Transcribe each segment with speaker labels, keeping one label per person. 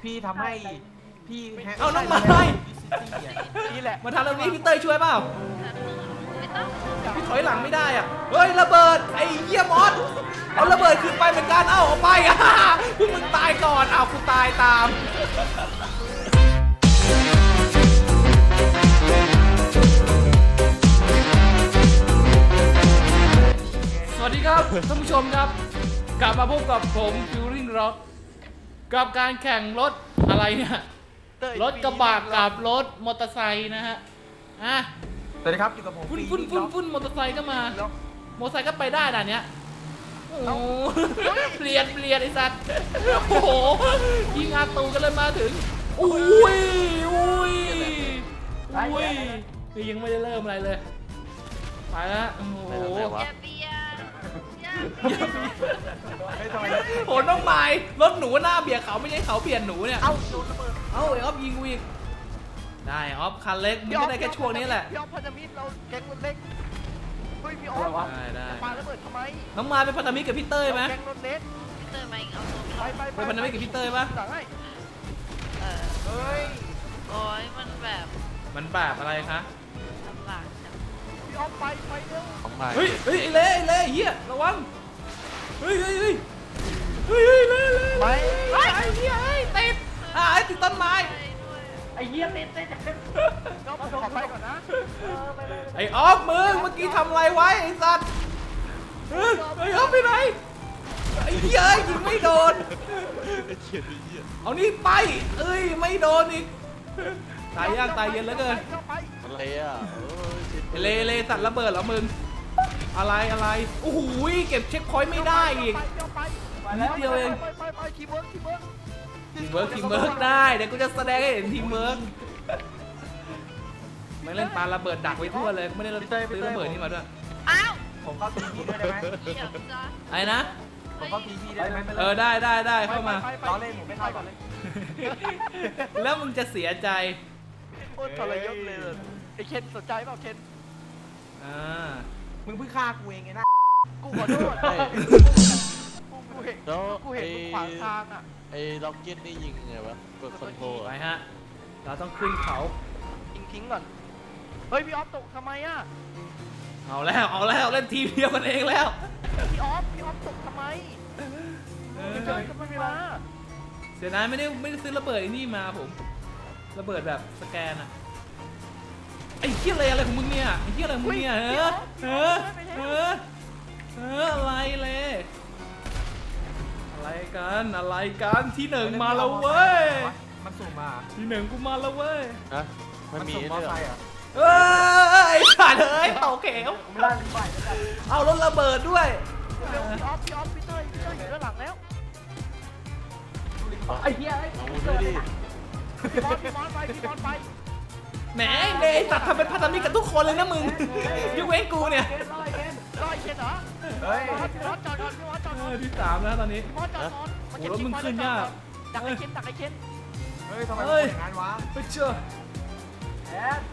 Speaker 1: พี่ทำให้พี่
Speaker 2: เอาน้องไม้
Speaker 1: นี่แหละ
Speaker 2: มาทำตรงนี้พี่เต้ยช่วยเปล่า
Speaker 3: ไม่ต้อง
Speaker 2: พี่ถอยหลังไม่ได้อ่ะเฮ้ยระเบิดไอ้เหี้ยมอสเอาระเบิดขึ้นไปเหมือนกันเอาไปอ่ะพวกมึงตายก่อนเอากูตายตามสวัสดีครับท่านผู้ชมครับกลับมาพบกับผมฟิวริ่งร็อกกับการแข่งรถอะไรเนี่ยรถกระบะกับรถมอเตอร์ไซค์นะฮะอ่ะ
Speaker 1: สวัสดีครับอยู่กับผม
Speaker 2: ฟุ้นมอเตอร์ไซค์ก็มามอเตอร์ไซค์ก็ไปได้ด่านเนี้ยโอ้โหเปลี่ยนไอ้สัตว์โอ้โหยิงอาตูกันเลยมาถึงอุ้ยนี่ยังไม่ได้เริ่มอะไรเลยไปแล้วโอ้โห
Speaker 3: อย่าเบียร์อย่าเบียร์
Speaker 1: ไม่ทำไม
Speaker 2: โหน้องไม้รถหนูหน้าเบียดเขาไม่ใช่เขาเบียดหนูเนี่ย
Speaker 1: เอ้าโดนระเบิด
Speaker 2: เอ้าไอ้ออฟยิงกูอีกได้ออฟคันเล็กมึงก็ได้แค่ช่วงนี้แหละ
Speaker 1: พี่ออฟพันธมิตรเราแก๊งรถเล็กเฮ้ยพี่ออฟ
Speaker 2: ได้
Speaker 1: ปาระเบิดทำไม
Speaker 2: น้องไม้เป็นพันธมิตรกับพี่เต้ยไหม
Speaker 1: แก๊งรถเล็ก
Speaker 3: พี่เตอร์มาเอาตัว
Speaker 1: ไป
Speaker 2: เป็นพันธมิตรกับพี่เต้ยปะ
Speaker 1: สั่งให้
Speaker 3: เออ
Speaker 1: เฮ้ย
Speaker 3: โอ้ยมันแบบ
Speaker 2: มันแบบอะไรคะ
Speaker 3: ลำบากจัง
Speaker 1: พี่ออฟไปเร็ว
Speaker 2: เฮ้ยไอ้เล่เฮียระวังเฮ้ยเล่
Speaker 1: ไป
Speaker 2: ไอ้เฮียติดไอ้ติดต้นไม้
Speaker 3: ไปด้วย
Speaker 1: ไอ้เหี้ยเต้นก็ขอไปก่อนนะไป
Speaker 2: ไอ้ออฟมึงเมื่อกี้ทำอะไรไว้ไอ้สัตว์ไอ้ออฟไปไหนไอ้เหี้ยยิงไม่โดนเอานี่ไปเอ้ยไม่โดนอีกตายยากตายเย็นเหลือเกิน
Speaker 4: อะไรอ่ะ
Speaker 2: เลสัตว์ระเบิดเหรอมึงอะไรโอ้โหเก็บเช็คพอยต์ไม่ได้อีกนิดเดียวเอง
Speaker 1: ไปคีย์เวิร์ก
Speaker 2: ทีมเวิร์กได้เดี๋ยวกูจะแสดงให้เห็นทีมเวิร์กไม่เล่นปาระเบิดดักไว้ทั่วเลยไม่ได้ซื้อระเบิดนี่มาด้วย
Speaker 3: อ้าว
Speaker 1: ผมเข้าทีพีด้วยได้ไหม
Speaker 3: เดี๋ยวจ้ะ
Speaker 2: ไอ้นะ
Speaker 1: ผมเข้าทีพีได้ไหม
Speaker 2: ได้เข้ามา
Speaker 1: ล้อเล่นผมไม่เข้าก่อนเลย
Speaker 2: แล้วมึงจะเสียใจ
Speaker 1: โคตรทรยศเลยไอ้เคนสนใจเปล่าเคน
Speaker 2: อ่า
Speaker 1: มึงเพิ่งฆ่ากูเองไงนะกูขอโทษกูเห็น
Speaker 4: แล้ว
Speaker 1: กูเห็นมึงขวางทางอ่ะ
Speaker 4: ไอ้ล็อกเก็ตนี่ยิงไงวะกดคอนโทรล
Speaker 2: ไปฮะเราต้องขึ้นเขา
Speaker 1: ทิ้งก่อนเฮ้ยพี่ออฟตกทำไมอ่ะ
Speaker 2: เอาแล้วเล่นทีมเดียวกันเองแล้ว
Speaker 1: พี่ออฟตกทำไมไม่เจอกันไม่เวลา
Speaker 2: เสียดายไม่ได้ซื้อระเบิดไอ้นี่มาผมระเบิดแบบสแกนอะไอ้เหี้ยอะไรของมึงเนี่ยไอ้เหี้ยอะไรของมึงเนี่ยอะไรเลยอะไรกันที่หนึ่งมาแล้วเว้ย
Speaker 1: มันสุ่มมา
Speaker 2: ที่หนึ่งกูมาแล้วเว้ย
Speaker 4: นะมันมี
Speaker 1: มอ
Speaker 4: ด้วย
Speaker 1: ไซค์อ่ะ
Speaker 2: เอ้ยไอ้สัตว์เอ้ยตกเข็ว
Speaker 1: ผมลั่นไป
Speaker 2: เอารถระเบิดด้วย
Speaker 1: พี่ออฟพี่เต้ยอยู่ด้านหลังแล้ว
Speaker 4: ไอ้เหี้ยเอาด้วยดิ
Speaker 1: พี่มอสไป
Speaker 2: แหมเลยสัตว์ทำเป็นพันธมิตรกับทุกคนเลยนะมึงยกเว้นกูเนี่ย
Speaker 1: รอยเคนเหรอเฮ้ยพี่มอสจอดก่อนพี่มอสจอดก่อน
Speaker 2: ที่3แล้วตอนนี้
Speaker 1: พี่มอสจอดก่อน
Speaker 2: โอ้รถมึงขึ้นยาก
Speaker 1: ดักไอ้เคนเฮ้ยทำไม
Speaker 2: เฮ้ย
Speaker 1: อย่างนั้นวะ
Speaker 2: ไปเชื่อ
Speaker 1: แอด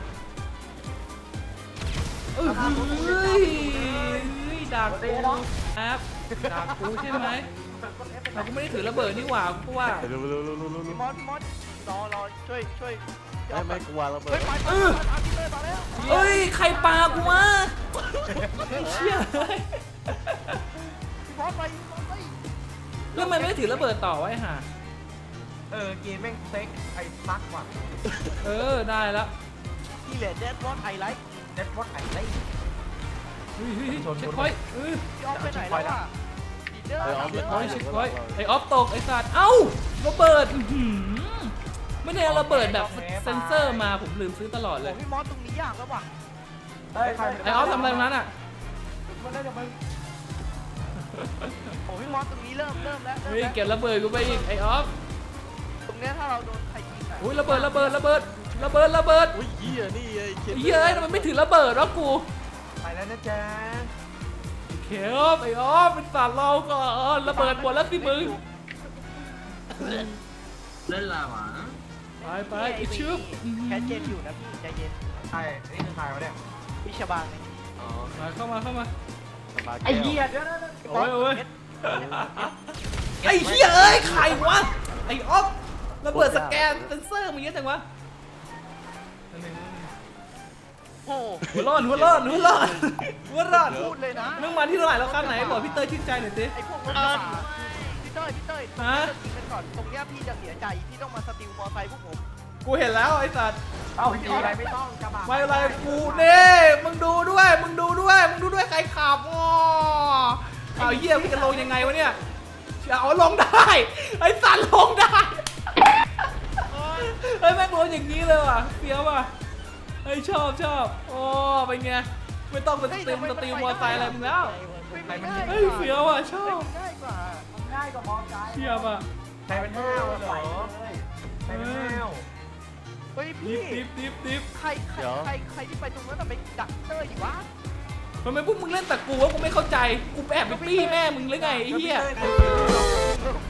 Speaker 2: เฮ้ยด่ากูครับด่ากูใช่ไหมเราก็ไม่ได้ถือระเบิดนี่หว่ากูว่า
Speaker 4: เร็ว
Speaker 1: พี่มอสรอช่วย
Speaker 4: ไม่กลัวระเบิ
Speaker 1: เฮ้
Speaker 4: ด
Speaker 1: ยไปพี่เต้ยมาแล้ว
Speaker 2: เฮ้ยใครปากูวะเชี่ยเฮ้ย
Speaker 1: พี่มอสไป
Speaker 2: แล้วมันไม่ได้ถือระเบิดต่อไว้ห่า
Speaker 1: เกมแม่งเซ็กไอ้ซักว่ะ
Speaker 2: ได้แล้ว
Speaker 1: นี่แหละเน็ตวอตไอไลท์เน็ตวอตไอไลท์
Speaker 2: เฮ้ยเช็คพอยต์
Speaker 1: พี่ออฟไปไหนแล้วอ่ะดีเดอร์
Speaker 4: ไอ้ออฟ
Speaker 2: เช็คพอยต์ไอออฟตกไอสัตว์เอ้าระเบิดไม่ได้เอาระเบิดแบบเซนเซอร์มาผมลืมซื้อตลอดเลย
Speaker 1: พี่มอสตรงนี้ยากแล้วว่ะ
Speaker 2: ไอออฟทำอะไรตรงนั้นอ่ะ
Speaker 1: โอ้พี่มอสตรงนี้เริ่มแล้ว
Speaker 2: เฮ้ยเก็บระเบิดกูไปอีกไอออฟ
Speaker 1: ตรงเนี้ยถ้าเราโดนใครยิงอ่ะ
Speaker 2: อุ้ยระเบิด
Speaker 4: อุ้ยเหี้ยนี่ไอ้เคน
Speaker 2: เย้ยทำไมไม่ถือระเบิดวะกู
Speaker 1: ไปแล้วนะจ๊ะ
Speaker 2: เขียวไอออฟเป็นสัตว์เราก่อนระเบิดหมดแล้วสิมึง
Speaker 5: เล่นลาวะ
Speaker 2: ไปไอชึบ
Speaker 1: แคทเจนอยู่นะพี่ใจเย็นใช่นี่คือใครวะเนี่ยพี่ชบางไง
Speaker 4: อ๋อ
Speaker 2: เข้ามา
Speaker 1: ไอ้เหี้ยเดี๋ยว
Speaker 2: โอ้ยไอ้เหี้ยเอ้ยใครวะไอออฟระเบิดสแกนเซนเซอร์มันเยอะจังวะ
Speaker 1: โอ้
Speaker 2: หัวร้อนหัวร้อนหัวร้อนหัวร้อน
Speaker 1: พูดเลยนะ
Speaker 2: มึงมาที่เท่าไหร่แล้วคันไหนบอกพี่เต้ยชื่นใจหน่อยสิ
Speaker 1: ไอ้พวกรถกระบะพี่เต้ยพี่เต้ย
Speaker 2: ฮะ
Speaker 1: ยิงกันก่อนตรงเนี้ยพี่จะเสียใจพี่ต้องมาสติลมอไซค์พวกผม
Speaker 2: กูเห็นแล้วไอ้สัตว์
Speaker 1: เอาดีอะไรไม่ต้องกระบะ
Speaker 2: ไม่อะไรกูนี่มึงดูด้วยมึงดูด้วยมึงดูด้วยใครขับอ๋อเอาเหี้ยพี่จะลงยังไงวะเนี่ยเอาลงได้ไอ้สัตว์ลงได้เฮ้ยแม่งลงอย่างนี้เลยว่ะเฟี้ยวว่ะเฮ้ยชอบโอ้เป็นไงไม่ต้องเป็นสตรีมมอไซค์อะไรมึงแล้ว
Speaker 1: ไม่ง่าย
Speaker 2: เฮ้ยเฟี้ยวว่ะชอบ
Speaker 1: ง่ายกว่าง่ายกว่ามอไซค์
Speaker 2: เชียบอ่ะ
Speaker 1: ใครเป็นห้าวเหรอใครเป็นห้าวเฮ้ย
Speaker 2: ดิ
Speaker 1: พี่
Speaker 2: บ
Speaker 1: ใครที่ไปตรงนั้นไปดักเตอร์อยู่วะ
Speaker 2: ทำไมพวกมึงเล่นแต่กูวะกูไม่เข้าใจกูแอบไปปี้แม่มึงหรือไงไอ้เหี้ย
Speaker 1: ไอ้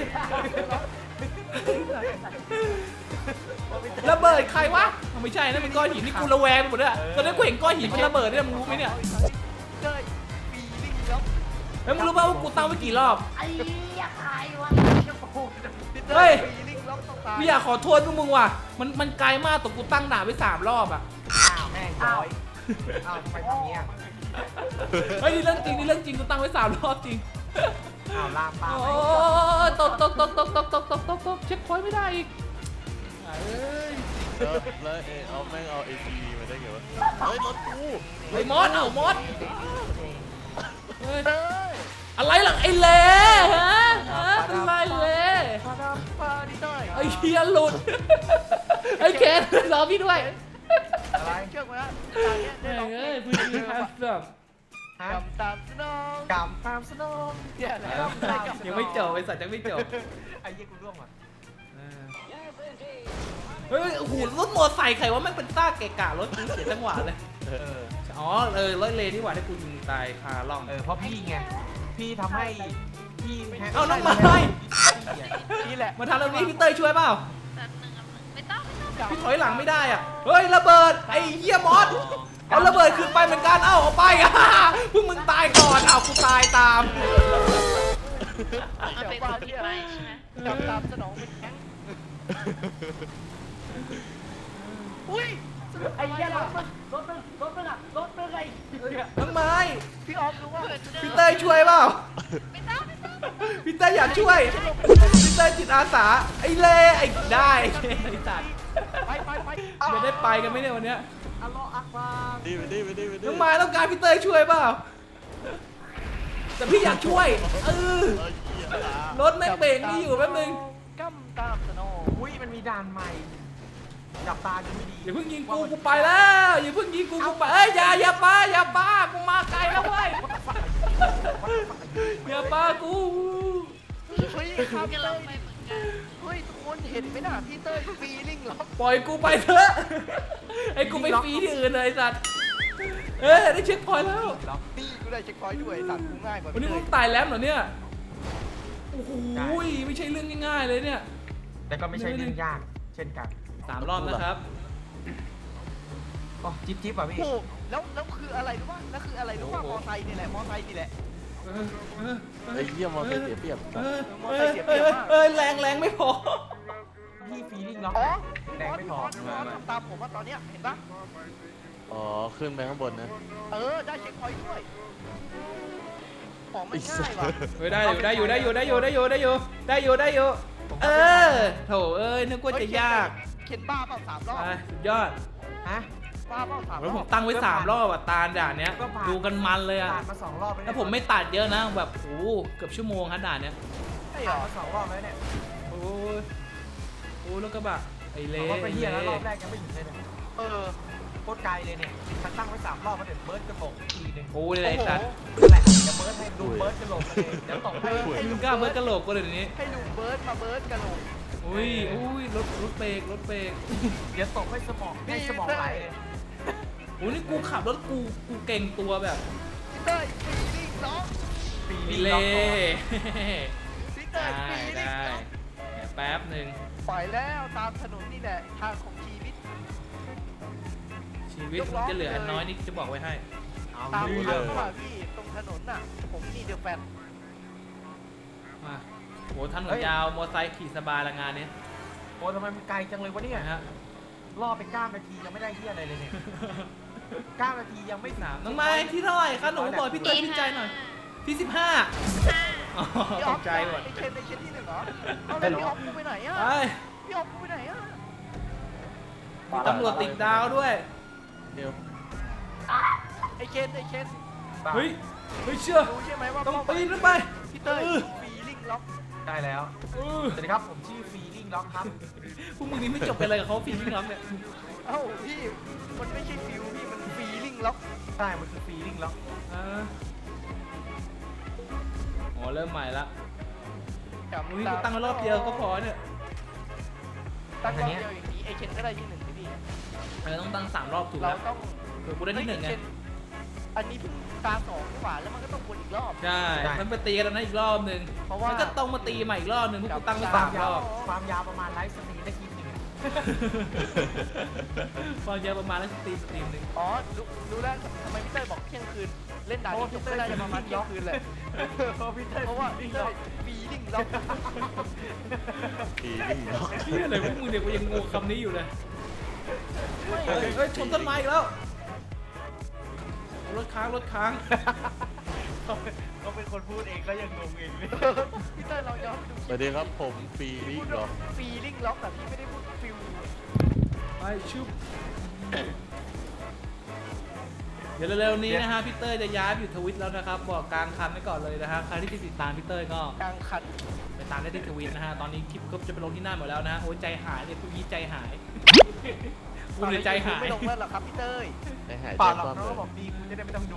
Speaker 2: ระเบิดใครวะไม่ใช่นะมันก้อนหินนี่กูระแวงไปหมดเลยอะตอนนี้กูเห็นก้อนหินมันระเบิดเนี่ยมึงรู้ไหมเนี่ย
Speaker 1: เต้ยปีลิงแล้ว
Speaker 2: แล้วมึงรู้ป่าวว่ากูตั้งไว้กี่รอบ
Speaker 1: ไอ้ยาใครวะ
Speaker 2: เฮ้ย
Speaker 1: ปีลิงแล้วต้องตาย
Speaker 2: ไม่อยากขอโทษพวกมึงว่ะมันไกลมากแต่กูตั้งด่าไว้3 รอบอ่ะ
Speaker 1: อ้าวแม่งจอยอ้าวทำไมทำเงี้ย
Speaker 2: เฮ้ยนี่เรื่องจริงกูตั้งไว้3 รอบจริง
Speaker 1: อ้าวลามปาม
Speaker 2: โอ้ยตกเช็คพอยต์ไม่ได้อีกเอ้ย
Speaker 4: แล้วเอาแม่งเอา ATV มาได้ไงวะเฮ้ยรถกู
Speaker 2: ไอ้มอสเอามอสเฮ้ย
Speaker 1: เต้ย
Speaker 2: อะไรหลังไอ้เล่ฮะเป็นไรเล่
Speaker 1: มาดามปาดิเต้ย
Speaker 2: ไอ้เฮียหลุดไอ้เคนรอพี่ด้วย
Speaker 1: อะไรเชื่อมาแล้วตอนเนี้ยได้
Speaker 2: เฮ้ย
Speaker 1: ร้องเพล
Speaker 2: เฮ้ย
Speaker 1: ง
Speaker 2: พื้นที่ครับแบบ
Speaker 1: กำตามสนองกำตามสนองเนี่ยแหละ
Speaker 2: ยังไม่จบไอ้สัตว์ยังไม่จบ
Speaker 1: ไอ้ยี่กูร่วงว่ะ
Speaker 2: เฮ้ยโอ้โหรถมอไซค์ใครว่าแม่งเป็นซ่าเกะกะรถกูเสียจังหวะเลยอ๋อรถเลนี่หว่าที่กูยิงตายคาล่อง
Speaker 5: เพราะพี่ไง พี่ทำให้พี่
Speaker 2: เอาน้องไม้
Speaker 1: นี่แหละ
Speaker 2: มาทำตรงนี้พี่เต้ยช่วยเปล่า
Speaker 3: แป๊บนึงไม่ต้อง
Speaker 2: พี่ถอยหลังไม่ได้อ่ะเฮ้ยระเบิดไอ้เหี้ยมอสเอาระเบิดคืนไปเหมือนกันเอ้าเอาไปอ่ะพวกมึงตายก่อนเอากูตายตาม
Speaker 3: เอาไปคนที่ไปใช่ไหม
Speaker 1: กำตามสนองเป็นแข้งอุ้ยไอ้ยี่รถมันอะไร
Speaker 2: น้องไม้
Speaker 1: พี่ออฟรู้ว่า
Speaker 2: พี่เต้ยช่วยเปล่า
Speaker 3: ไม่ต้อง
Speaker 2: พี่เต้ยอยากช่วยพี่เต้ยจิตอาสาไอ้เล่ไอ้ได้ไอ้สัตว์
Speaker 1: ไป
Speaker 2: จะได้ไปกันไหมเนี่ยวันเนี้ย
Speaker 1: อัลลอฮ์อักบาร
Speaker 4: ดีไปดิไปดิไปดิ
Speaker 2: น้องไม้ต้องการพี่เต้ยช่วยเปล่าแต่พี่อยากช่วยรถแม่งเบรกนี่อยู่แป๊บนึง
Speaker 1: กำตามสนอง
Speaker 5: อุ้ยมันมีด่านใหม่ จับตาดูไม่ดี
Speaker 2: อย่าเพิ่งยิงกูไปแล้วอย่าเพิ่งยิงกูไปเอ้ยอย่าปากูมาไกลแล้วเว้ยอย่าปากู
Speaker 1: เฮ้ยครับ
Speaker 3: กำลังไปเหมือนกัน
Speaker 1: เฮ้ยทุกคนเห็นไหมน่ะพี่เต้ยฟีลิ่งเหรอ
Speaker 2: ปล่อยกูไปเถอะไอ้กูไปฟรีที่อื่นเลยไอ้สัตว์ได้เช็คพอยต์แล้ว
Speaker 1: นี่กูได้เช็คพอยต์ด้วยตัดกูง่ายกว่า
Speaker 2: วันนี้มึงตายแล้วเหรอเนี่ยโอ้โหไม่ใช่เรื่องง่ายๆเลยเนี่ย
Speaker 5: แต่ก็ไม่ใช่เรื่องยาก เช่นกัน
Speaker 2: 3 รอบนะครับ
Speaker 5: อ๋อจิ๊บอ่ะพี่
Speaker 1: โอ้แล้วคืออะไรรู้ป่ะแล้วคืออะไรรู้ป่ะมอไซค์นี่แหละมอไซค์นี่แหละ
Speaker 4: ไอ้เหี้ยมอเตอร์เสียเปรียบ
Speaker 2: แรงไม่พอ
Speaker 5: พี่ฟีลิ่งล็อก
Speaker 1: อ๋อ
Speaker 5: แรงไม่พอ
Speaker 1: ตามผมว่าตอนเนี้ยเห็นปะ
Speaker 4: อ๋อขึ้นไปข้างบนนะ
Speaker 1: ได้เช็คพอยต์ด้วยของมันง่ายว่ะ
Speaker 2: ได้อยู่โถนึกว่าจะยาก
Speaker 1: เข็นบ้าเปล่า3 รอบ
Speaker 2: สุดยอด
Speaker 5: ฮะ
Speaker 1: บ้าเปล่า3 ร
Speaker 2: แล้ว
Speaker 1: อ
Speaker 2: ผม
Speaker 1: บ
Speaker 2: ตั้งไว้3 รอบอ่ะตาด่านเนี้ยดูกันมันเลยอ่ะ
Speaker 5: ผ่านมา2 รอบแล้ว
Speaker 2: แล้วผมไม่ตัดเยอะนะแบบโอ้เกือบชั่วโมงครับด่านเนี้ย
Speaker 1: ใช่เหร
Speaker 5: ผ่าน
Speaker 1: อ
Speaker 5: มา2 รอบแล้วเนี่ย
Speaker 2: โอ้รถกระบะไอ้เล่
Speaker 5: เขาไปเฮียแล้วรอบแรกยังไม่ถึงเลยเนี่ย
Speaker 1: เออ
Speaker 5: โคตรไกลเลยเนี่ยฉันตั้งไว้3 รอบมาเดี๋ยวเบิร์ดกระโดดทีนึง
Speaker 2: โอ้เลยไอ้สัตว์
Speaker 5: นั่นแหละเดี๋ยวเบิร์ดให้ดูเบิร์ดกระโดดเลยเดี๋ยวตกให้
Speaker 2: มึงกล้าเบิร์ดกระโหลกกูเลยเดี๋ยวนี้
Speaker 1: ให้ลุงเบิร์ดมาเบิร์ดกันลง
Speaker 2: อุ้ยรถเบรก
Speaker 5: เดี๋ยวตกให้สมองให้สมองไหลเลย
Speaker 2: โอ้นี่กูขับรถกูเก่งตัวแบบ
Speaker 1: พี่เต้ยฟีลิ่งล็อก
Speaker 5: ฟี
Speaker 2: มี
Speaker 5: ลิ่งล็
Speaker 2: เล่
Speaker 5: อก
Speaker 1: พี่เต้ยฟีลิ่ง
Speaker 2: ได้
Speaker 1: ล็อก
Speaker 2: เดี๋ยวแป๊บหนึ่ง
Speaker 1: ปล่อยแล้วตามถนนนี่แหละทางของชีวิต
Speaker 2: ชีวิตมึงจะเหลืออันน้อยนี่จะบอกไว้ให้
Speaker 5: เอา
Speaker 1: ตาม
Speaker 5: ดู
Speaker 1: ทาง
Speaker 5: เลย
Speaker 1: ว่าพี่ตรงถนนน่ะ ผมนี่เดอะแฟน
Speaker 2: มาโหถนนยาวมอไซค์ขี่สบายละงานเนี้ย
Speaker 5: อ้ทำไมมันไกลจังเลยวะเนี่ย
Speaker 2: นะฮะ
Speaker 5: รอไป9 นาทียังไม่ได้เหี้ยอะไรเลยเนี่ย9 นาทียังไม่ถึง
Speaker 2: น้องไม้ที่เท่าไหร่คะหนูบอกพี่เต้ยพี่ใจหน่อยที่15อ๋อ
Speaker 1: พี่อ
Speaker 2: ต
Speaker 1: อฟ
Speaker 2: กใจหมด
Speaker 1: ไอเคนที่หนึ่งเหรอเอาเลยพี่ออฟกูไปไหนอ่ะ
Speaker 2: ไป
Speaker 1: พี่ออฟกูไปไหนอ่ะ
Speaker 2: มีตำรวจติดดาวด้วย
Speaker 4: เดี๋ยว
Speaker 1: ไอเคน
Speaker 2: เฮ้ยเชื่อ
Speaker 1: รู้ใช่ไหมว่า
Speaker 2: ต้องปีนขึ้นไป
Speaker 1: พี่เต้ยฟีลิ่งล็อก
Speaker 5: ได้แล้ว
Speaker 2: เออ
Speaker 5: สวัสดีครับผมชื่อฟีลิ่งล็อกครับ
Speaker 2: พวกมึงนี่ไม่จบกันเลยกับเขาฟิล์มพี่น้องเนี่ย
Speaker 1: เอ้าพี่มันไม่ใช่ฟิวพี่มันฟีลิ่งล็อก
Speaker 5: ใช่มันคือฟีลิ่งล็อก
Speaker 2: อ่าอ๋อเริ่มใหม่ละมึงนี่กูตั้งไว้รอบเดียวก็พอเนี่ย
Speaker 1: ตั้งรอบเดียวอย่างนี้ไอเคนก็ได้ที่หนึ่งพี่
Speaker 2: ต้องตั้ง3 รอบถูก
Speaker 1: เรา
Speaker 2: แล้ว
Speaker 1: ต้อง
Speaker 2: เผื่อกูได้ที่1ไง
Speaker 1: อันนี้เพิ่งตา2ดีกว่าแล้วมันก็ต้องวนอีกรอบ
Speaker 2: ใช่มันไปตีกันแล้วนะอีกรอบนึง
Speaker 1: เพราะว่า
Speaker 2: มันก็ต้องมาตีใหม่อีกรอบนึงพวกกูตั้งไว้
Speaker 5: ความ
Speaker 2: 3 ร
Speaker 5: ยาว
Speaker 2: อบ
Speaker 5: ความยาวประมาณไลฟ์สตรีมได้คลิปหนึ่ง
Speaker 2: ความยาวประมาณแล้วสตรีมนึง
Speaker 1: อ๋อรู้แล้วทำไมพี่เต้ยบอกเที่ยงคืนเล่นด่านนี้จบก็ได้จะประมาณเที่ยงคืนเลย
Speaker 5: พี่เต้ย
Speaker 1: เพราะว่าพี่เต้ยฟีลิ่งล็อก
Speaker 4: ปีนิ่งล็อก
Speaker 2: เชี่ยอะไรพวกมึงเนี่ยกูยังงงคำนี้อยู่เลย
Speaker 1: ไม่
Speaker 2: เฮ้ยชนต้นไม้อีกแล้วรถค้าง
Speaker 5: เขาเป็นคนพูดเองแล้วยังงงเองเลย
Speaker 1: พี่เต้ยเราย้อนไปดู
Speaker 4: สวัสดีครับผมปีนิ่งล็อก
Speaker 1: ฟีลิ่งล็อกแต่พี่ไม่ได้พูดฟิล
Speaker 2: ไปชุบเดี๋ยวเร็วๆนี้นะฮะพี่เต้ยจะย้ายไปอยู่ทวิตแล้วนะครับบอกกลางคันไว้ก่อนเลยนะฮะใครที่ติดตามพี่เต้ยก็
Speaker 1: กลางคัน
Speaker 2: ไปตามได้ที่ทวิตนะฮะตอนนี้คลิปก็จะไปลงที่หน้าหมดแล้วนะฮะโอ้ยใจหายเลยพวกนี้ใจหายกูเลยใจหาย
Speaker 1: ไม่ลงแล้วหรอครับพี่เต้ย
Speaker 4: ได้หาย
Speaker 5: เป
Speaker 4: ใจ
Speaker 5: ล่าหรอก
Speaker 4: ความ
Speaker 5: เขา
Speaker 4: เล
Speaker 5: ก็
Speaker 4: ย
Speaker 5: บอกดีคุณจะได้ไม่ต้องดู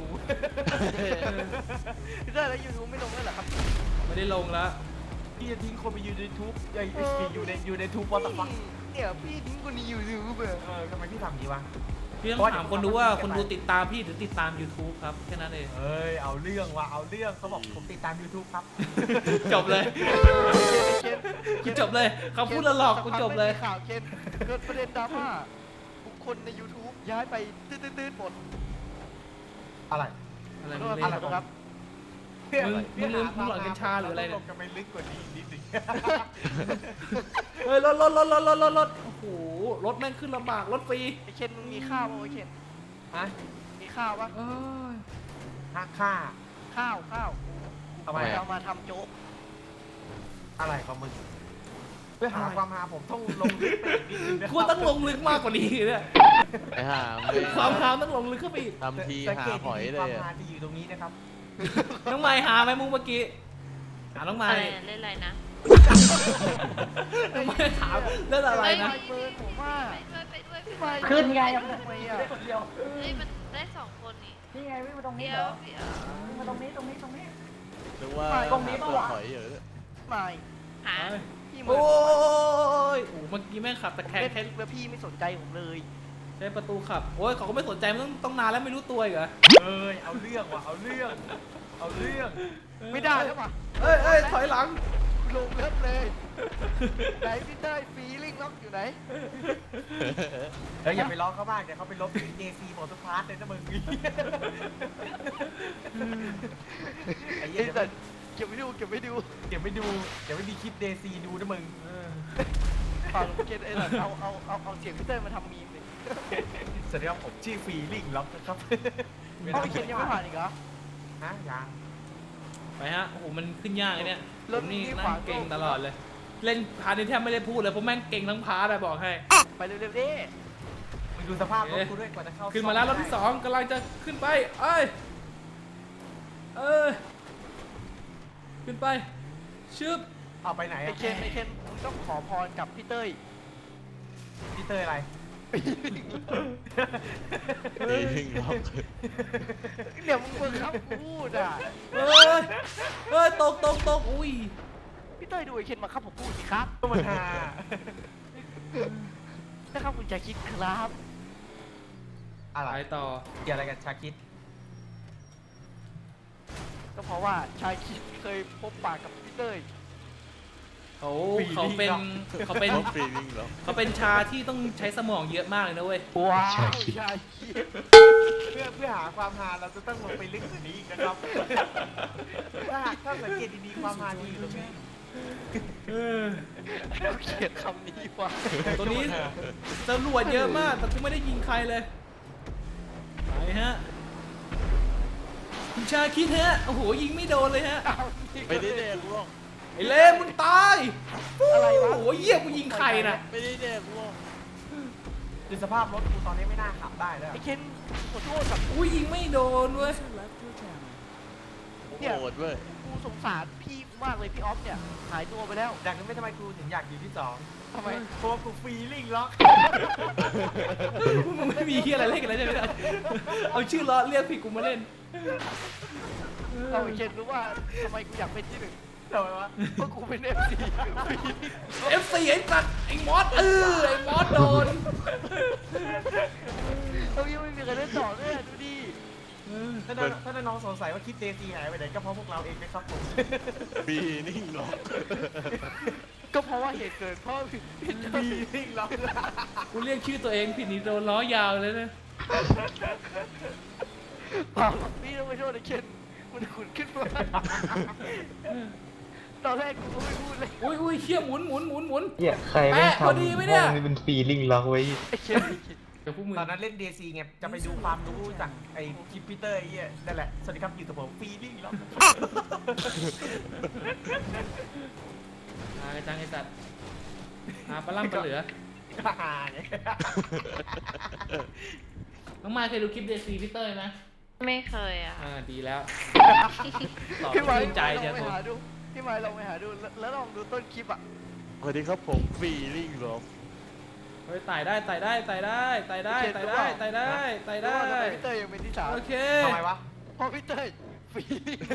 Speaker 1: พี่เต้ยแล้วยูทูบไม่ลงแล้วหรอครับ
Speaker 2: ไม่ได้ลงแล้ว
Speaker 5: พี่จะทิ้งคนไปอยู่ในทูบอยู่ในทูบวอเตอร์ฟัง
Speaker 1: เนี่ยพี่ทิ้งคนนี้ยูทูบเบอร์
Speaker 5: ทำไมพี่ทำอย่างนี้วะ
Speaker 2: พี่ต้องถามคนดูว่าคนดูติดตามพี่หรือติดตาม YouTube ครับแค่นั้นเอง
Speaker 5: เอ้ยเอาเรื่องว่ะเอาเรื่องเขาบอกผมติดตาม YouTube ครับ
Speaker 2: จบเลย
Speaker 1: เคน
Speaker 2: กูจบเลยคำพูดละหลอกกูจบเลย
Speaker 1: ข่าวเคนเกิดประเด็นดราม่าบุคคลใน YouTube ย้ายไปตื้นๆหมด
Speaker 5: อะไร
Speaker 2: อะไร
Speaker 1: ข
Speaker 2: มึ
Speaker 1: อง โทษ
Speaker 2: เล่น
Speaker 1: ครับ
Speaker 2: มึงหลอนกัญชาหรืออะไรเนี่ย
Speaker 5: จะไปลึกกว่านี้นิดนึง
Speaker 2: เฮ้ยรถโอ้โหรถแม่งขึ้นลำบากรถฟรี
Speaker 1: ไอเคนมึงมีข้าวป่ะไอเคน
Speaker 5: ฮะ
Speaker 1: มีข้าวป่ะ
Speaker 2: เอ้ย
Speaker 5: หักค่า
Speaker 1: ข้าว
Speaker 5: ทำไม
Speaker 1: เรามาทำโจ๊ก
Speaker 5: อะไรของมึงเพื่อหาความหาผมต้องลงลึกไปอีกนิดนึงนะ
Speaker 2: กูต้องลงลึกมากกว่านี้เนี่ย
Speaker 4: ไอ้ห่าไม่
Speaker 2: ความหาต้องลงลึกเข้าไปอีก
Speaker 4: ทำที
Speaker 5: สัง
Speaker 4: หา
Speaker 5: เกต
Speaker 4: หอย
Speaker 5: ดี
Speaker 4: เล
Speaker 5: ๆความ
Speaker 4: ยอะ
Speaker 5: หาจะอยู่ตรงนี้นะครับ
Speaker 2: น้องไม้หาไหมมึงเมื่อกี้หาน้องไม้
Speaker 3: อะไรเล่นอะไรนะ
Speaker 2: น้องไม้ถามเรื่องอะไรนะ
Speaker 1: เบิร์นผมว่า
Speaker 3: ไปด้วย
Speaker 1: พี่
Speaker 3: ไป
Speaker 1: ไม
Speaker 3: ด้วย
Speaker 1: ขึ้นไงทำไมอ่ะ
Speaker 3: เฮ้ยมันได้2 คนนี่
Speaker 6: นี่ไงวิ่งมาตรงนี้
Speaker 3: เดี๋
Speaker 6: เห
Speaker 3: ย
Speaker 6: ร
Speaker 3: ว
Speaker 6: อ
Speaker 3: เดี๋ยว
Speaker 6: วิ่งมาตรงนี้ตรงนี้ตรงนี้
Speaker 4: นึกว่า
Speaker 6: ตรงนี้
Speaker 4: หา
Speaker 6: ปะ
Speaker 4: เปลือก
Speaker 6: วะ
Speaker 4: หอยอยู่เลย
Speaker 1: ไม่
Speaker 3: หา
Speaker 1: พี่
Speaker 2: โอ้
Speaker 1: มื
Speaker 2: ยโอ้เมื่อกี้แม่งขับตะแคง
Speaker 1: เล่น
Speaker 2: แค่
Speaker 1: แล้วพี่ไม่สนใจผมเลย
Speaker 2: ใช้ประตูขับโอ้ยเขาก็ไม่สนใจมันต้องนานแล้วไม่รู้ตัวอีกเหรอ
Speaker 5: เอ้ยเอาเรื่องว่ะเอาเรื่อง
Speaker 1: ไม่ได้แล้วป่ะ
Speaker 2: เอ้ยถอยหลัง
Speaker 1: ลงเลิฟเลยไหนพี่เต้ยฟีลิ่งล็อกอยู่ไหน
Speaker 5: เฮ้ยอย่าไปล้อเขามากเดี๋ยวเขาไปลบเจซีหมดทุกพาร์ทเลยนะมึงไอ้เหี้
Speaker 1: ไอ้
Speaker 5: ย
Speaker 1: สัตว์เก็บไว้ดู
Speaker 5: เดี๋ยวไม่มีคลิปเดซีดูนะมึง
Speaker 1: ฟังเก็ตไอ้สัตว์เอาเสียงพี่เต้ยมาทำมีมดิ
Speaker 5: สวัสดีครับผมชื่อฟีลิ่งล็อกนะครับ
Speaker 1: เอาพี่เคนยังไม่ผ่านอีกเหรอ
Speaker 5: ฮะยัง
Speaker 2: ไปฮะโอ้โหมันขึ้นยากเลยเนี่ยผ
Speaker 1: รถ
Speaker 2: มนี่
Speaker 1: นี่
Speaker 2: นั่
Speaker 1: ขวาง ง
Speaker 2: เก่ง
Speaker 1: โลก
Speaker 2: ตลอดเลย เล่นพาร์ทนี้แทบไม่ได้พูดเลยเพราะแม่งเก่งทั้งพาร์ทอะบอกให้
Speaker 1: ไปเร็วๆดิ
Speaker 5: มึงดูสภาพรถกูด้วยกว่าจะเข้า
Speaker 2: ขึ้นมาแล้วรอบที่2กำลังจะขึ้นไปเอ้ยขึ้นไปชึบ
Speaker 5: เอาไปไหน
Speaker 1: ไอ้เคนมึงต้องขอพรกับพี่เต้ย
Speaker 5: พี่เตยอะไร
Speaker 4: ปีนิ่งล็อก
Speaker 1: เดี๋ยวมึงเบิ่งครับพูดอ่ะ
Speaker 2: เฮ้ยตกอุ้ย
Speaker 1: พี่เต้ยดูไอ้เคนมาครับผมพูดสิครับ
Speaker 5: ก็มันหา
Speaker 1: นะครับคุณจะคิดครับ
Speaker 5: อะไร
Speaker 2: ไปต่อ
Speaker 5: เกี่ยวอะไรกับชาคิด
Speaker 1: ก็เพราะว่าชายคิดเคยพบปากกับพี่เต้ย
Speaker 2: เขาเป็น
Speaker 4: เขาปีนิ่งล็อก
Speaker 2: เขาเป็นชาที่ต้องใช้สมองเยอะมากเลยนะเว้ย
Speaker 1: ว้าวชายคิด
Speaker 5: เพื่อหาความหาเราจะต้องลงไปลึกกว่านี้อีกนะครับถ้าสังเกตดีๆความหาดีอยู่ตรงนี้
Speaker 2: เออ
Speaker 4: เกลียดคำนี้ว่ะ
Speaker 2: ตัวนี้ตำรวจเยอะมากแต่กูไม่ได้ยิงใครเลยไปฮะคุณชาคิดฮะโอ้โหยิงไม่โดนเลยฮะ
Speaker 4: ไม่ได้แดกล่วง
Speaker 2: ไอ้เล่มึงตายอะไรวะโอ้โหเยี่ยกูยิงใครน่ะ
Speaker 4: ไม่ได้แดกล่วง
Speaker 5: ดูสภาพรถกูตอนนี้ไม่น่าขับได้แล้ว
Speaker 1: ไอ้เคนขอโทษแบบ
Speaker 2: อุ้ยยิงไม่โดนเว้ย
Speaker 4: โหดเว้ย
Speaker 1: กูสงสารพี่มากเลยพี่ออฟเนี่ยหายตัวไปแล้ว
Speaker 5: จากนั้นไม่ทำไมกูถึงอยากอยู่ที่สอง
Speaker 1: ทำไม
Speaker 5: เพราะว่ากูฟรีลิงล็อก
Speaker 2: มึงไม่มีเฮียอะไรเล่นกันแล้วใช่ไหมเอาชื่อล้อเรียกผิดกูมาเล่น
Speaker 1: เราไอ้เคนรู้ว่าทำไมกูอยากเป็นที่หนึ่ง
Speaker 5: ทำไมวะ
Speaker 1: เพราะกูเป็นเอฟซี
Speaker 2: FC ไอ้สัตว์ไอ้มอสไอ้มอสโดน
Speaker 1: เรายังไม่มีใครเล่นต่อเลยดูดิ
Speaker 5: ถ้าน้องสงสัยว่าคลิปเดซีหายไปไหนก็เพราะพวกเราเองนะครับผม
Speaker 4: ปีนิ่งล็อก
Speaker 1: ก็เพราะว่าเหตุเกิดเพราะพี่
Speaker 5: ฟรีลิงล็อก
Speaker 2: กูเรียกชื่อตัวเองผิดนี่โดนล้อยาวเลยนะ
Speaker 1: เปล่าพี่ต้องไปโทษไอ้เคนมันขุนขึ้นมาตอนแรกกูก็ไม่พูดเลย
Speaker 2: อุ้ยเชี่ยหมุน
Speaker 7: เนี่ยใครไม่
Speaker 2: แปะพอ
Speaker 7: ทำ
Speaker 2: ดีไหมเนี่ย
Speaker 7: ห้องนี้เป็นฟีลิ่งล็อกไว้
Speaker 1: ไอ้เคน
Speaker 2: เดี๋ยวพวกมึง
Speaker 5: ตอนนั้นเล่นเดซีไงจะไปดูความรู้จากไอ้คลิปพีเตอร์ไอ้เหี้ยนั่นแหละสวัสดีครับอยู่กับผมฟรีลิงล็อก
Speaker 2: จังไอ้สัตว์ปลาล่ำปลาเหลือ
Speaker 5: ฮ่าเนี่ย
Speaker 2: น้องมายเคยดูคลิปเดซีพี่เต้ยไหม
Speaker 3: ไม่เคยอ่ะ
Speaker 2: ดีแล้วตอบ
Speaker 1: พี่ไม้
Speaker 2: ชื่นใจ
Speaker 1: ล
Speaker 2: จะ
Speaker 1: องไป
Speaker 2: โทร
Speaker 1: หาดูพี่ไม้ลองไปหาดูแล้วลองดูต้นคลิปอ่ะ
Speaker 4: สวัสดีครับผมปีนิ่งล็อก
Speaker 2: เฮ้ยไต่ได้รู้ว่าทำไม
Speaker 1: พี่เต้ยยังเป็นที่สาม
Speaker 2: โอเค
Speaker 5: ทำไมวะ
Speaker 1: เพราะพี่เต้ยฟรี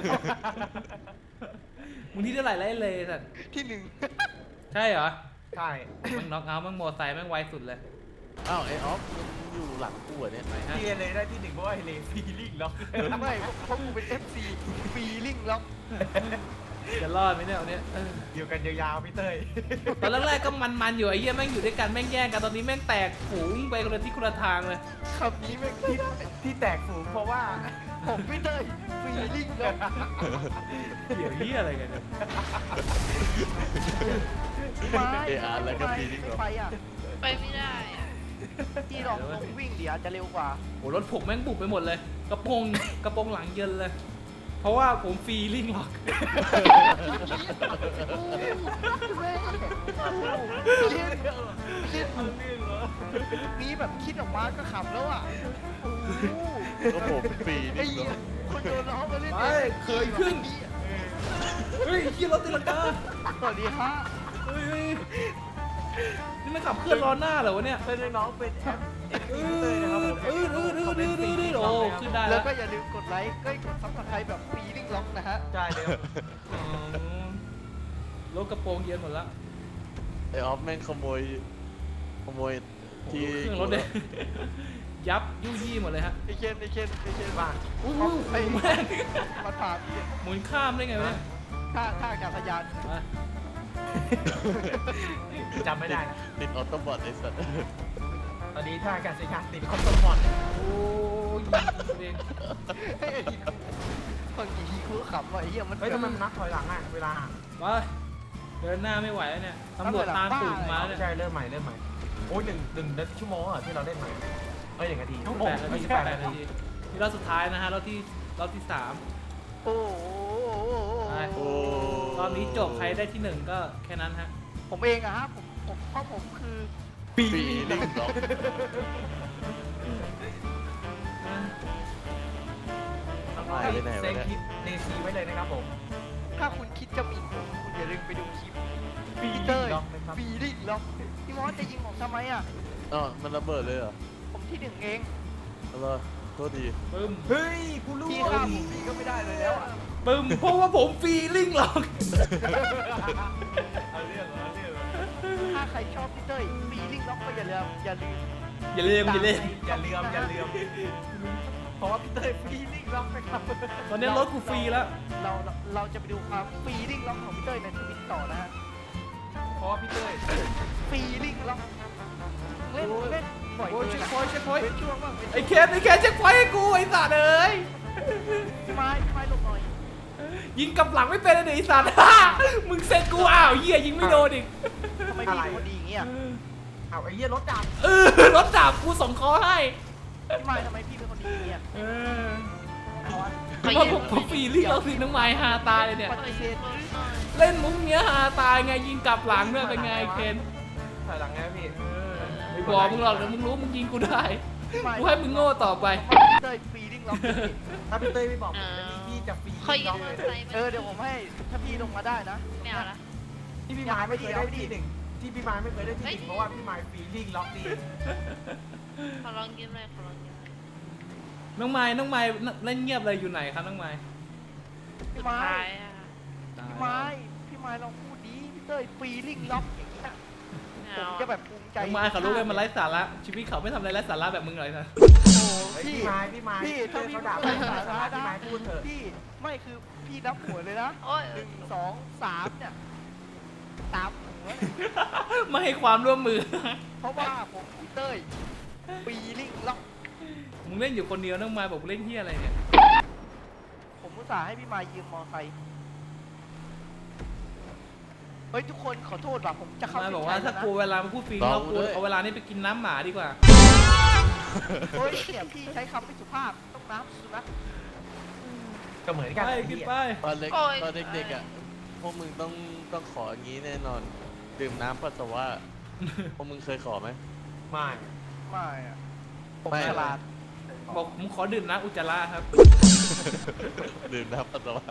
Speaker 2: มึงที่เท่าไหร่แล้วไอ้เลยสัตว์
Speaker 1: ที่หนึ่ง
Speaker 2: ใช่เหรอ
Speaker 5: ใช่
Speaker 2: มึงน็อกเอาท์มึงโมไซค์แม่งไวสุดเลย
Speaker 4: อ้าวไอ้ออฟมึงอยู่หลังกูเหรอเนี่ย
Speaker 2: ไหนฮะ
Speaker 5: ที่เลยได้ที่หนึ่งเพราะว่าไอ้เลฟรีลิงล็อก
Speaker 1: ไม่เพราะกูเป็น FC ฟรีลิงล็อก
Speaker 2: จะรอดไหมเนี่ยวันนี้
Speaker 5: อยู่กันยาวๆพี่เต้ย
Speaker 2: ตอนแรกๆก็มันอยู่ไอ้เหี้ยแม่งอยู่ด้วยกันแม่งแย่งกันตอนนี้แม่งแตกฝูงไปคนละที่คนละทางเลย
Speaker 1: คำนี้แม่ง
Speaker 5: ที่แตกฝูงเพราะว่า
Speaker 1: ผมพี่เต้ยฟรีลิงล็อก
Speaker 2: เดี๋ยวเหี้ยอะไรกันเนี่ย
Speaker 4: เออาร์แล้วก็ปีนิ่งล็อก
Speaker 1: ไปอ่ะ
Speaker 3: ไปไม่ได้อะ
Speaker 1: ที่ลองวิ่งเดี๋ยวจะเร็วกว่า
Speaker 2: โอ้รถผมแม่งบุบไปหมดเลย กระโปรงหลังเยินเลย เพราะว่าผมฟรีลิงล็อก
Speaker 1: นี่แบบคิดออกมาก็ขำแล้วอ่ะ
Speaker 4: ก็ผมปี
Speaker 1: ไอ้
Speaker 4: นิ่งล็
Speaker 1: เหี้
Speaker 4: อย ก
Speaker 1: คนโดนล้อมาเล่น
Speaker 2: ไปเคยขึ้น เฮ้ยขี่รถตีลังกา
Speaker 1: สวัสดีฮะ
Speaker 2: เฮ้ยนี่มันขับเคลื่อนล้อหน้าเหรอวะเนี่ย
Speaker 5: เพื่อนน้องเป็นแอปเอ็กซ์
Speaker 2: อื
Speaker 5: พีเตอร์นะครับผม
Speaker 2: ดโอ้ขึ้นได้
Speaker 1: แล้
Speaker 2: แล้ว ว
Speaker 1: ก็อย่าลืมกดไลค์ก็กดซับสไครต์แบบฟรีลิงล็อกนะฮะ
Speaker 5: ใช่เลย
Speaker 2: รถกระโปรงเย็นหมดแล้ว
Speaker 4: ไอ้ออฟแม่งขโมยที่
Speaker 2: เครื่องรถเลยยับยู่ยี่หมดเลยฮะ
Speaker 1: ไอเคน
Speaker 5: บ้าน
Speaker 2: อุ้ยแม่ง
Speaker 1: มาผ่าน
Speaker 2: หมุนข้ามได้ไงวะเนี่ย
Speaker 1: ท่าอากาศยาน
Speaker 2: มา
Speaker 5: จำไม่ได้นะ
Speaker 4: ติดออโต้บอทไอ้สัตว์
Speaker 5: ตอนนี้ถ้าอากาศยานติดคอมโตมอด
Speaker 2: โอ้ยเอง
Speaker 1: เฮ้ยบางทีกูก็ขำว่าไอ้เหี้ยมัน
Speaker 5: เฮ้ยทำไมมันนับถอยหลังอ่ะเวลา
Speaker 2: มาเดินหน้าไม่ไหวแล้วเนี่ยตำรวจตามตูดมาเนี่ย
Speaker 5: ใช่เริ่มใหม่โอ้ยหนึ่งชั่วโมงเหรอที่เราเล่นใหม่เอ้ย1 นาที
Speaker 2: 8 นาที8 นาทีนี่รอบสุดท้ายนะฮะรอบที่3
Speaker 1: โอ้โห
Speaker 2: ไป
Speaker 4: โอ้
Speaker 2: รอบนี้จบใครได้ที่ 1 ก็แค่นั้นฮะ
Speaker 1: ผมเองอะฮะผมเพราะผมคือ
Speaker 4: ปีนิ่งล็อก หายไปไหนวะเนี่ย
Speaker 5: เซฟคลิปเดซีไว้เลยนะครับผม
Speaker 1: ถ้าคุณคิดจะหมิ่นผมคุณอย่าลืมไปดูคลิป
Speaker 5: ฟรี
Speaker 1: พี่
Speaker 5: ลิ
Speaker 1: เต้
Speaker 5: ง
Speaker 1: ย
Speaker 5: ล็อกนะครับ
Speaker 1: ฟรีลิงล็อกพี่มอสจะยิงผมทำไมอะ
Speaker 4: อ๋อมันระเบิดเลยเหรอ
Speaker 1: ผมที่หนึ่งเอง
Speaker 4: อะไรโทษดี
Speaker 2: ปึ้ม
Speaker 5: เฮ้ยกูรู้
Speaker 1: พี่ฆ่าผมพี่ก็ไม่ได้เลยแล้วอะ
Speaker 2: ปึ้มเพราะว่าผมฟรีลิงหรอก
Speaker 5: เอาเรื่องเหรอ
Speaker 1: ถ้าใครชอบพี่เต้ยฟรีลิงล็อกก็อย่าลืม
Speaker 2: อย่าลืม
Speaker 5: อย่าลืมเพราะว่าพี่เต้ยฟรีลิงล็อกนะครับ
Speaker 2: ตอนนี้รถกูฟรีแล้ว
Speaker 1: เราจะไปดูความฟรีลิงล็อกของพี่เต้ยในทวิตต่อนะฮะ
Speaker 5: เพราะว่าพี่เต้ย
Speaker 1: ฟรีลิงล็อกเล่นบ่อย
Speaker 2: โอ้ย
Speaker 1: เกิ
Speaker 2: เช็
Speaker 1: น
Speaker 2: คพอยต์
Speaker 1: เป็นช่วงบ้างเป็น
Speaker 2: ไอ้เคนเช็คพอยต์ให้กูไอ้สัตว์เอ้ย
Speaker 1: พี่ไม้หลบหน่อย
Speaker 2: เยิงกลับหลังไม่เป็นเลยไอ้สัตว์ มึงเซ็ตกูอ้าวเหี้ยยิงไม่โดนอีก
Speaker 1: ทำไมพี่เป็นคนดีอย่างเงี้ย
Speaker 5: เอาไอ้เหี้ยรถดับ
Speaker 2: รถดาบกูส่งคอให้
Speaker 1: พี่ไม้ทำไมพี่เป็นคนดีอย่างเงี้ย
Speaker 3: ขอ
Speaker 2: เพราะ
Speaker 3: ยื
Speaker 2: ผมฟรีลิ่งเราสิน้องไม้ฮาตายเลยเนี่ย
Speaker 1: ปฏิเสธ
Speaker 2: เล่นมุกเนี้ยฮาตายไงยิงกลับหลังเนี่ยเป็นไงเคน
Speaker 5: ถอยหลังไงพี่
Speaker 2: ไม่บอกมึงหรอกเดี๋ยวมึงรู้มึงยิงกูได้กูให้มึงโง่ต่อไป
Speaker 1: เต้ยฟรีลิ่งล็อก
Speaker 5: ถ้าพี่เต้ยไม่บอกผมพี่จะฟรี
Speaker 3: ขอยื
Speaker 5: ล็
Speaker 3: ม
Speaker 5: อก
Speaker 3: มอ
Speaker 5: เล
Speaker 3: เตอย ร์ไซค์มา
Speaker 1: เดี๋ยวผมให้ถ้าพี่ลงมาได้นะ
Speaker 3: ไม่เอาละ
Speaker 5: ที่พี่ไม้ไม่เคยได้ที่หนึ่งที่พี่ไม้ไม่เคยได้ที่หนึ่งเพราะว่าพี่ไม้ฟรีลิ่งล็อกดี
Speaker 3: ขอลองยืมเลยขอลองยืมเลย
Speaker 2: น้องไม้เล่นเงียบเลยอยู่ไหนครับน้องไม้
Speaker 1: พี่ไม้
Speaker 3: ท้ายอะ
Speaker 1: พี่ไม้ลองพูดดีพี่เต้ยฟรีลิ่งล็อกอย่างเงี้ย
Speaker 3: ไม่
Speaker 1: ผม
Speaker 3: เอา
Speaker 1: จะแบบภูมิใจ
Speaker 2: น้องไม้เขารู้ว่ามันไร้สาระชีวิตเขาไม่ทำอะไรไร้สาระแบบมึงเลยนะ
Speaker 1: โอ้โห
Speaker 5: พี่ไม้
Speaker 1: พี่ถ้าพี่
Speaker 5: เขาด่า
Speaker 1: ไม่
Speaker 5: พี่
Speaker 1: สาระ
Speaker 5: พี่
Speaker 1: นะ
Speaker 5: ไม้พูดเถอะ
Speaker 1: พี่ไม่คือพี่นับหัวเลยนะ
Speaker 3: โอ้ย
Speaker 1: 1 2 3เนี่ยตามหัวเลย
Speaker 2: ไม่ให้ความร่วมมือ
Speaker 1: เพราะว่าผมพี่เต้ยฟรีลิ่งล็อก
Speaker 2: มึงเล่นอยู่คนเดียวน้องไม้บอกมึงเล่นเฮียอะไรเนี่ย
Speaker 1: ผมอุตส่าห์ให้พี่ไม้ยืมมอไซค์เฮ้ยทุกคนขอโทษว่ะผมจะเข้า
Speaker 2: ไม้
Speaker 1: เส้น
Speaker 2: บอก
Speaker 1: ชั
Speaker 2: ว่าย ถ้า
Speaker 1: แล้วนะ
Speaker 2: กูเวลามาพูดฟรีเรากูเอาเวลานี้ไปกินน้ำหมาดีกว่า
Speaker 1: เฮ้ยเนี่ยพี่ใช้คำไม่สุภาพต้องน้ำสุนัข
Speaker 5: ก็เหมือนกัน
Speaker 2: ไปกินไป
Speaker 4: ตอนเด็กๆอ่ะพวกมึงต้องขออย่างนี้แน่นอนดื่มน้ำปัสสาวะพวกมึงเคยขอไหม
Speaker 5: ไม่
Speaker 1: ไม่อะผม
Speaker 4: ไม่
Speaker 1: ฉลาด
Speaker 2: บอกผมขอดื่มน้ำอุจจาระครับ
Speaker 4: ดื่มน้ำปัสสาวะ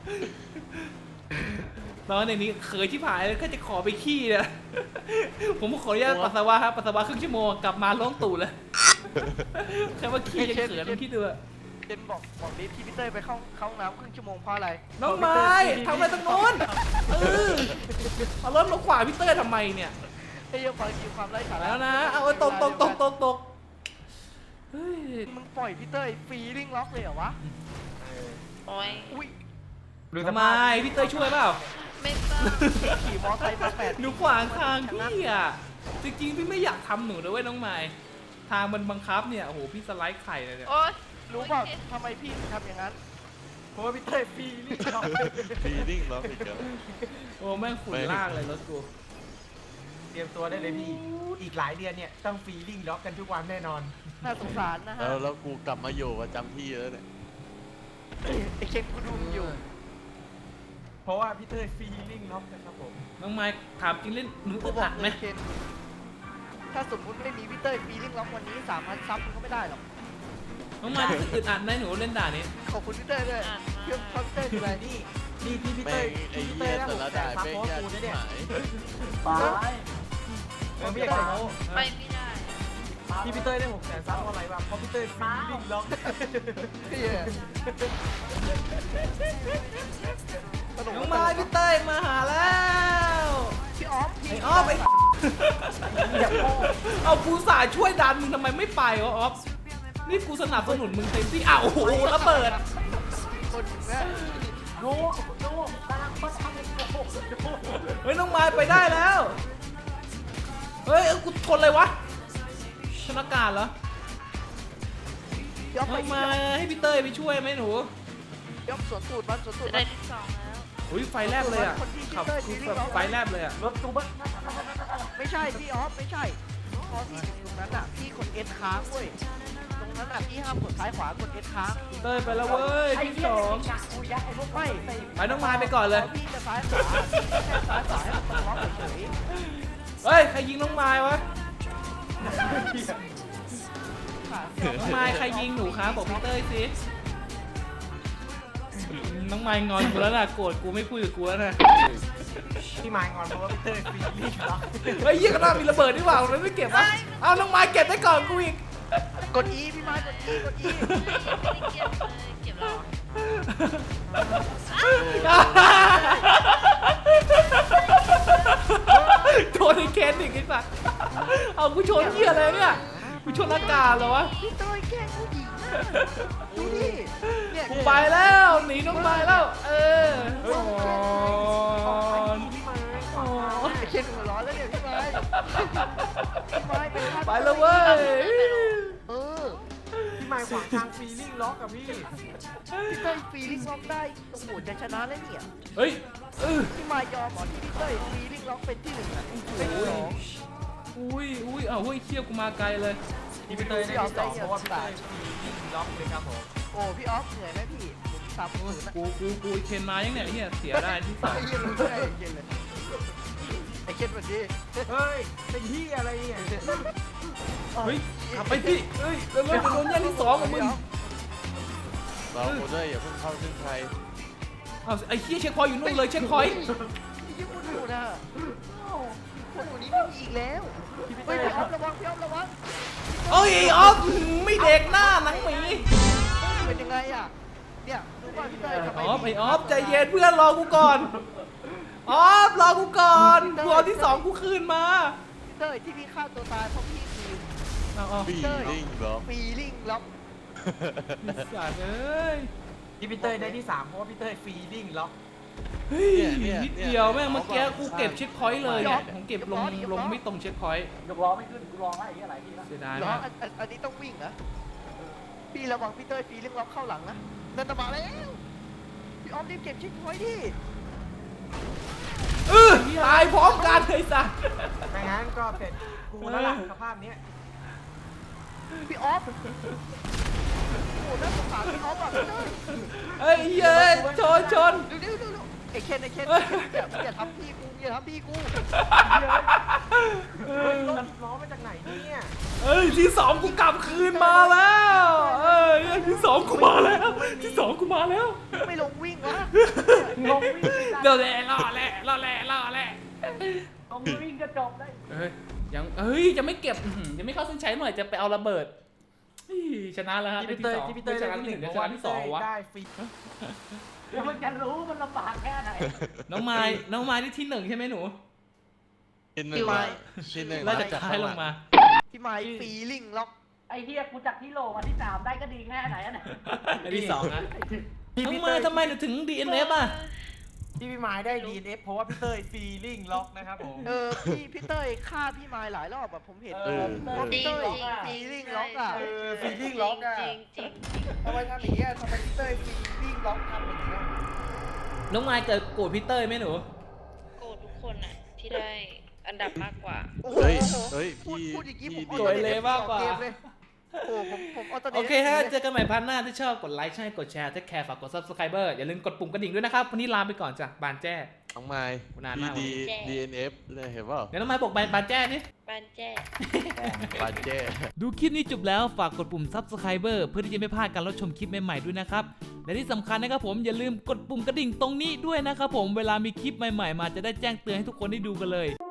Speaker 2: ตอนนี้เคยที่ผายแล้วก็จะขอไปขี้เนี่ย ผมขออนุญาตปัสสาวะครับปัสสาวะครึ่งชั่วโมงกลับมาล้องตูดเลย แค่ว่าขี้ยังเขินต้องคิดดูอะ
Speaker 1: เจนบอกดิที่พี่เต้ยไปเข้าห้องน้ำครึ่งชั่วโมงเพราะอะไร
Speaker 2: น้องไม้ทำอะไรตรงโน้นเอารถมาขวางพี่เต้ยทำไมเนี่ย
Speaker 1: เฮ้ยฟังดีความไร้สาระ
Speaker 2: แล้วนะเอาตกเฮ้ย
Speaker 1: มึงปล่อยพี่เต้ยฟรีลิ่งล็อกเลยเหรอวะ
Speaker 3: โอ้ย
Speaker 1: อุ้ย
Speaker 2: ทำไมพี่เต้ยช่วยเปล่า
Speaker 3: ไม่ต้อง
Speaker 1: ขี่มอไซค์มา8
Speaker 2: หนูขวางทางพี่อ่ะจริงๆพี่ไม่อยากทำหนูนะเว้ยน้องไม้ทางมันบังคับเนี่ยโอ้โหพี่สไลด์ไข่เลยเนี่ย
Speaker 3: โอ้ย
Speaker 1: รู้เปล่าทำไมพี่ถึงทำอย่างนั้น
Speaker 5: เพราะว่าพี่เต้ยฟรีลิ่งล็อก
Speaker 4: ฟีลิ่งล็อกอีกแล้ว
Speaker 2: โอ้แม่งฝุ่นลากเลยรถกู
Speaker 5: เตรียมตัวได้เลยพี่อีกหลายเดือนเนี่ยต้องฟรีลิ่งล็อกกันทุกวันแน่นอน
Speaker 1: น่าสงสารนะฮะ
Speaker 4: แล้วกูกลับมาอยู่ประจำที่แล้วเนี่ย
Speaker 1: ไอ้เคนกูดูมึงอยู่
Speaker 5: เพราะว่าพี่เต้ยฟรีลิ่งล็อกนะครับผม
Speaker 2: น้องไม้ถามจริงเล่นหนู
Speaker 1: กู
Speaker 2: อึด
Speaker 1: บอ
Speaker 2: อั
Speaker 1: ก
Speaker 2: ด
Speaker 1: เล
Speaker 2: ไหม
Speaker 1: ยเคนถ้าสมมุติไม่มีพี่เต้ยฟรีลิ่งล็อกวันนี้3,000ซับมึงก็ไม่ได้หรอก
Speaker 2: น้องไม้รู้สึกอึดอัดไหมหนูเล่นด่านี้
Speaker 1: ขอบคุณพี่เต้ยด้วยเพื่อนคอนเต้ยอะไรนี่
Speaker 5: นี่ที่พี่
Speaker 4: แม่
Speaker 5: เต้ย
Speaker 4: งไอ้
Speaker 5: พี่
Speaker 4: เหี้
Speaker 5: เต้
Speaker 4: ย
Speaker 5: ยได้
Speaker 4: แต่
Speaker 5: 6
Speaker 4: ละ
Speaker 5: แส
Speaker 4: ด่าน
Speaker 5: ซับ
Speaker 4: แม่ง
Speaker 5: โพส
Speaker 4: ยาก
Speaker 5: กู
Speaker 4: ชิ
Speaker 5: นะ
Speaker 4: บ
Speaker 5: เนี่ย
Speaker 6: ไป
Speaker 5: มันไม่อยากจะโม้
Speaker 3: ไปไม่ได้อะ
Speaker 5: ที่พี่เต้ยได้6 แสนซับเพราะอะไรวะเพราะพี่เต้ยฟรีลิ่งล็อก
Speaker 1: พี่สนุก
Speaker 2: น้องไม้พี่เต้ยมาหาแล้ว
Speaker 1: พี่ออฟ
Speaker 2: ไอ้ออฟไอ้เอากูสายช่วยดันมึงทำไมไม่ไปวะออฟนี่กูสนับสนุนมึงเต็มที่อ้าวโอ้โหระเบิด
Speaker 1: คนแม่
Speaker 6: ดูกำลังโคตรทำเลยโอ้โห
Speaker 2: เฮ้ยน้องไม้ไปได้แล้วเฮ้ยกูชนเลยวะชนอากาศเหรอ
Speaker 1: พี่ออฟไป
Speaker 2: น้องไม้ให้พี่เต้ยไปช่วยไหมหนู
Speaker 1: พี่ออฟสวนตูดมันสวนตูด
Speaker 3: จะ
Speaker 1: มั
Speaker 3: ได้
Speaker 1: น
Speaker 3: ที่2แล้ว
Speaker 2: อุ้ยไฟแลบเลยอ่ะขับแบบไฟแลบเลยอ่ะ
Speaker 6: รถตู้บ้าน
Speaker 1: ไม่ใช่พี่ออฟไม่ใช่พอพี่ถึงตรงนั้นอ่ะพี่กดเอสค้างเว้ยตรงนั้นอ่ะพี่ห้ามกดซ้ายขวากดเอสค้าง
Speaker 2: พี่เต้ยไปแล้วเว้ย
Speaker 6: ไอ้
Speaker 2: ที่
Speaker 6: เหี้
Speaker 2: ส
Speaker 6: ย
Speaker 2: อง
Speaker 6: ไอ้กูยักไอ้พวก
Speaker 1: ไม่
Speaker 2: ไปน้องไม้ไปก่อนเลย
Speaker 1: พอพี่จะซ้ายขวาพี่แค่ซ้ายขวาให้มันตรงล็อกเฉย
Speaker 2: เฮ้ยใครยิงน้องไม้วะ
Speaker 1: ๆค่ะ
Speaker 2: น้องไม้ใครยิงหนูครับบอกพี่เต้ยสิน้องไม้งอนกูแล้วนะโกรธกูไม่พูดกับกูแล้วนะ
Speaker 5: พี่ไม้งอนเพราะว่าพี่เต้ยฟรีลิ่งล็อก
Speaker 2: เฮ้ยยี่ก็น่ามีระเบิดดีกว่าเราไม่เก็บวะเอาน้องไม้เก็บได้ก่อนกูอีก
Speaker 1: กด E พี่ไม้กด E กด E
Speaker 3: ไม่ได้เก็บเลยเก็บแล้ว
Speaker 2: โดนไอ้เคนอีกไอ้สัสเอากูชนเหี้ยอะไรเนี่ยกูชนอากาศเหรอวะ
Speaker 1: พี่เต้ยแกล้งผู้หญิงนะดูดิเนี่ย
Speaker 2: กูไปแล้วหนีน้องไม้แล้วเออ
Speaker 5: เฮ้ย
Speaker 2: อ๋อ
Speaker 5: พี่ไม้
Speaker 2: อ๋อ
Speaker 1: ไอ้เคนหัวร้อนแล้วเนี่ยพี่ไม้พี่ไม้เป็นฆาตกร
Speaker 2: ไปแล้วเว้ย
Speaker 1: เออ
Speaker 5: พี่ไม้ขวางทางฟีลิ่งล็อกกับพี่
Speaker 1: พี่เต้ยฟีลิ่งล็อกได้โอ้โหจะชนะแล้วเนี่ย
Speaker 2: เฮ้ย
Speaker 1: พี่มายอมเหรอที่พี่เต้ยฟีลิ่งล็อกเป็นที่หนึ่งอ่ะเป็นที่สอง
Speaker 2: อุ้ยเอาเฮ้ยเคี้ยวกูมาไกลเลย
Speaker 5: พี่เตยได้ที่สองเพราะว่าพี่เตยฟีลิ่งล็อกเลยครับผม
Speaker 1: โอ้พี่ออฟเหนื่อยไหมพี่ผมตามผมนะ
Speaker 2: กูเคนมายังเนี่ยไอ้เหี้ยเสียได้ที่สอง
Speaker 1: ไอ้เหี้ยรู้ได้ไอ้เหี้ยเลยไอ้เคนวันนี้
Speaker 5: เฮ้ยเป็นที่อะไรเนี่ย
Speaker 2: เฮ้ยขับไปพี่เฮ้ยเร็วๆโดนแย่งที่สองของมึง
Speaker 4: เราโอเดอร์อย่าเพิ่งเข้าเส้นชัย
Speaker 2: เอาไอ้เหี้ยเช็คพอยต์อยู่นู่นเลยเช็คพอยต์
Speaker 1: ยี่ปุ่นอยู่นะคนคนนี้ไม่มีอีกแล้วเฮ้ยพี่ออฟระวังพี่ออฟระวัง
Speaker 2: เอ้ยไอ้ออฟไม่เด็กหน้าหนังหมี
Speaker 1: เป็นยังไงอ่ะเนี่ยดูว่าพี่เต้ยทำไม
Speaker 2: ไอ้ออฟใจเย็นเพื่อนรอกูก่อนออฟรอกูก่อนกูเอาที่สองกูคืนมา
Speaker 1: พี่เต้ยที่พี่ฆ่าตัวตายเพราะพี่คือ
Speaker 2: เอา
Speaker 4: ฟีลิ่งเหรอ
Speaker 1: ฟีลิ่งล็อก
Speaker 2: สัตว์เอ้ย
Speaker 5: ที่พี่เตยได้ที่สามเพราะว่าพี่เตยฟีลิ่งล็อก
Speaker 2: เฮ้ยนิดเดียวแม่งเมื่อกี้กูเก็บเช็คพอยต์เลยเนี่ยผมเก็บลงไม่ตรงเช็คพอยต์
Speaker 6: ยกล้อไม่ขึ้นกูลองไล่อะไรพี่นะ
Speaker 2: เสียดาย
Speaker 1: เหรอ
Speaker 2: มาก
Speaker 1: อันนี้ต้องวิ่งนะพี่ระวังพี่เต้ยฟีลิ่งล็อกเข้าหลังนะนั่นตะมาแล้วพี่ออฟรีบเก็บชิคพอยต์ดิ
Speaker 2: ตายพร้อมกันเลยสัตว์
Speaker 5: ไม่งั้นก็เสร็จกูแล้วล่ะสภาพเนี้ย
Speaker 1: พี่ออฟโอ้โหน่าสงสารพี่ออฟอ่ะพี่เต้ย
Speaker 2: เฮ้ยเย้ยชน
Speaker 1: เร็วไอ้เคนอย่าทำพี่กูอย่าทำพี่กู
Speaker 5: เฮ้ยรถล้อมาจากไหนเนี่ย
Speaker 2: เอ้ยที่สองกูกลับคืนมาแล้วเอ้ยที่สองกูมาแล้วที่สองกูมาแล้ว
Speaker 1: ไม่ลงวิ่งวะ
Speaker 6: ลงวิ่ง
Speaker 2: เดี๋ยวล่อแหละ
Speaker 6: ลงวิ่งก็จบได้
Speaker 2: เฮ้ยจะไม่เก็บยังไม่เข้าเส้นชัยหน่อยจะไปเอาระเบิดชนะแล้วฮะ
Speaker 5: ที่พี่เตยที่พี่เตย
Speaker 2: ชนะที่หนึ่งชนะที่สองวะ
Speaker 5: ได้ฟี
Speaker 6: เดี๋ยวมันจะรู้มันลำบากแค่ไหน
Speaker 2: น้องไม้ที่หนึ่งใช่ไหมหนู
Speaker 4: ที่หนึ่งที่หนึ่ง
Speaker 2: ไล่จากท้ายลงมา
Speaker 1: พี่ไม้ฟีลิ่งล็อก
Speaker 6: ไอ้เฮียกูจากที่โลมาที่3ได้ก็ดีแค่ไหนอ่ะเนี่ย
Speaker 2: อันที่สองนะ
Speaker 5: ที่
Speaker 2: น้อง
Speaker 5: พี่เต
Speaker 2: ไม้
Speaker 5: ย
Speaker 2: ทำไมถึง DNF อ่ะ
Speaker 5: ที่พี่ไม้ได้ DNF เพราะว่าพี่เตยฟีลิ่งล็อกนะครับผม
Speaker 1: พี่เต้ยฆ่าพี่ไม้หลายรอบแบบผมเห็น
Speaker 3: จริง
Speaker 1: เต้ย
Speaker 3: จริง
Speaker 1: ฟีลิ่งล็อกอ่ะ
Speaker 5: ฟีลิ่งล็อกอ่ะ
Speaker 3: จริงจริง
Speaker 1: ทำไมทำอย่างนี้ทำไมพี่เต้ยฟีลิ่งล็อกทำอย่างนี้
Speaker 2: น้องไม้เกิดโกรธพี่เต้ยไหมหนู
Speaker 3: โกรธทุกคนอ่ะที่ได้อันดับมากกว่า
Speaker 4: เฮ้ยพี่
Speaker 1: พูดอย่างนี้ผม
Speaker 2: สวยเลยมากกว่า
Speaker 1: โอ้ผมเอาตัว
Speaker 2: โอเคฮะเจอกันใหม่พันหน้าที่ชอบกดไลค์ใช่กดแชร์ถ้าแคร์ฝากกด subscriber อย่าลืมกดปุ่มกระดิ่งด้วยนะครับวันนี้ลาไปก่อนจ้ะบานแจ้
Speaker 4: น้องไม้
Speaker 2: นานมาก
Speaker 4: DNF เนี่ยเห็นเปล่า
Speaker 2: เดี๋ยวน้องไม้บอกบานแจ้นี่
Speaker 3: บ้านแจ้
Speaker 4: บาดเจ้
Speaker 2: ดูคลิปนี้จบแล้วฝากกดปุ่ม subscriber เพื่อที่จะไม่พลาดการรับชมคลิปใหม่ๆด้วยนะครับและที่สำคัญนะครับผมอย่าลืมกดปุ่มกระดิ่งตรงนี้ด้วยนะครับผมเวลามีคลิปใหม่ๆมาจะได้แจ้งเตือนให้ทุกคนได้ดูกันเลย